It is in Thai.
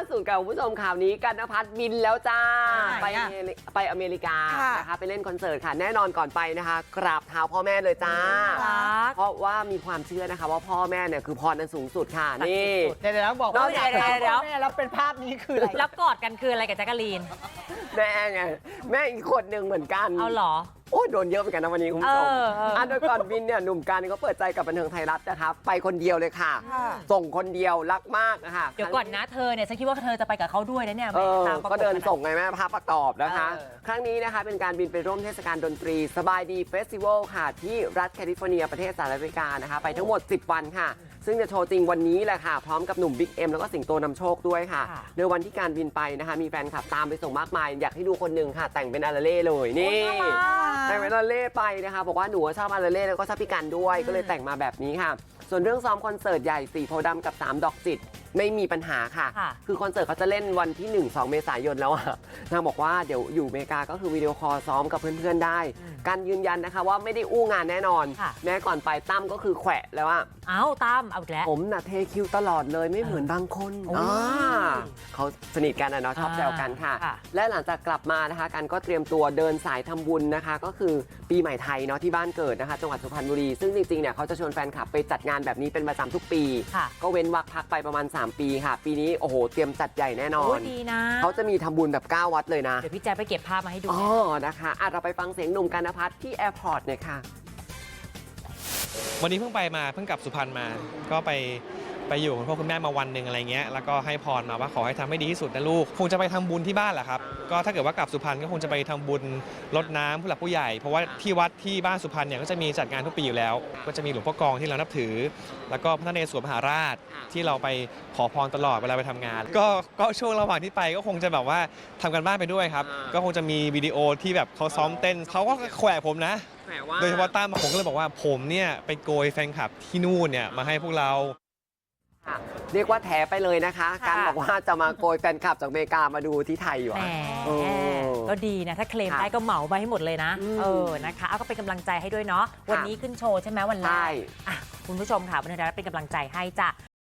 สุดกับคุณผู้ชมข่าวนี้กันณภัทรบินแล้วจ้าไปอเมริกานะคะไปเล่นคอนเสิร์ตค่ะแน่นอนก่อนไปนะคะกราบเท้าพ่อแม่เลยจ้าเพราะว่ามีความเชื่อนะคะว่าพ่อแม่เนี่ยคือพรอันสูงสุดค่ะนี่เดี๋ยวบอกว่าพ่อแม่แล้วเป็นภาพนี้คืออะไรแล้วกอดกันคืออะไรกับแจ๊กกะลีนแม่ไงแม่อีกคนหนึ่งเหมือนกันเอาเหรอโอ้โดนเยอะเหมือนกันนะวันนี้คุณผู้ชมโดยก่อนบินเนี่ยหนุ่มกันเขาเปิดใจกับบันเทิงไทยรัฐนะคะไปคนเดียวเลยค่ะส่งคนเดียวรักมากนะคะเดี๋ยวก่อนนะเธอเนี่ยฉันคิดว่าเธอจะไปกับเขาด้วยนะเนี่ยก็เดินส่งไงแม่ภาพประกอบนะคะครั้งนี้นะคะเป็นการบินไปร่วมเทศกาลดนตรีสบายดีเฟสติวัลค่ะที่รัฐแคลิฟอร์เนียประเทศสหรัฐอเมริกานะคะไปทั้งหมด10 วันค่ะซึ่งจะโชว์จริงวันนี้แหละค่ะพร้อมกับหนุ่มบิ๊กเอ็มแล้วก็สิงโตนำโชคด้วยค่ะในวันที่การบินไปนะคะมีแฟนคลับตามไปส่งมากมายอยากให้ดูคนหนึ่งค่ะแต่งเป็นอาราเล่เลยนี่แต่งเป็นอาราเล่ไปนะคะบอกว่าหนูชอบอาราเล่แล้วก็ชอบพี่กันด้วยก็เลยแต่งมาแบบนี้ค่ะส่วนเรื่องซ้อมคอนเสิร์ตใหญ่4โพธิ์ดำกับ3ดอกจิตไม่มีปัญหาค่ะคือคอนเสิร์ตเขาจะเล่นวันที่1-2 เมษายนแล้วอะนางบอกว่าเดี๋ยวอยู่อเมริกาก็คือวิดีโอคอลซ้อมกับเพื่อนๆได้การยืนยันนะคะว่าไม่ได้อู้งานแน่นอนแม้ก่อนไปตั้มก็คือแขวะแล้วว่าตั้มเอาแล้วผมน่ะเทคิวตลอดเลยไม่เหมือนบางคนเขาสนิทกันนะเนาะชอบแซวกันค่ะและหลังจากกลับมานะคะกันก็เตรียมตัวเดินสายทำบุญนะคะก็คือปีใหม่ไทยเนาะที่บ้านเกิดนะคะจังหวัดสุพรรณบุรีซึ่งจริงๆเนี่ยเขาจะชวนแฟนคลับไปจัดงานแบบนี้เป็นประจำทุกปีก็เว้นวรรคพักไปประมาณ3 ปีค่ะปีนี้โอ้โหเตรียมจัดใหญ่แน่นอนดีนะเขาจะมีทำบุญแบบ9 วัดเลยนะเดี๋ยวพี่แจ๊ไปเก็บภาพมาให้ดูนะคะเราไปฟังเสียงหนุ่มกันณภัทรที่แอร์พอร์ตหน่อยค่ะวันนี้เพิ่งกลับสุพรรณมาก็ไปอยู่กับพ่อคุณแม่มาวันหนึ่งอะไรเงี้ยแล้วก็ให้พรมาว่าขอให้ทำให้ดีที่สุดนะลูกคงจะไปทำบุญที่บ้านแหละครับก็ถ้าเกิดว่ากลับสุพรรณก็คงจะไปทำบุญรดน้ำผู้หลักผู้ใหญ่เพราะว่าที่วัดที่บ้านสุพรรณเนี่ยก็จะมีจัดงานทุกปีอยู่แล้วก็จะมีหลวงพ่อกองที่เรานับถือแล้วก็พระนเรศวรมหาราชที่เราไปขอพรตลอดเวลาไปทำงานก็ช่วงระหว่างที่ไปก็คงจะแบบว่าทำกันบ้านไปด้วยครับก็คงจะมีวิดีโอที่แบบเขาซ้อมเต้นเขาก็แขวะผมนะโดยเฉพาะตั้มผมก็เลยบอกว่าผมเนี่ยไปโกยแฟนคลับที่นู่นเนี่ยมาให้พวกเราเรียกว่าแถไปเลยนะคะการบอกว่าจะมาโกยแฟนคลับจากอเมริกามาดูที่ไทยอยู่ก็ดีนะถ้าเคลมได้ก็เหมาไปให้หมดเลยนะนะคะก็เป็นกำลังใจให้ด้วยเนาะวันนี้ขึ้นโชว์ใช่ไหมวันแรกคุณผู้ชมค่ะบันเทิงไทยรัฐเป็นกำลังใจให้จ้ะ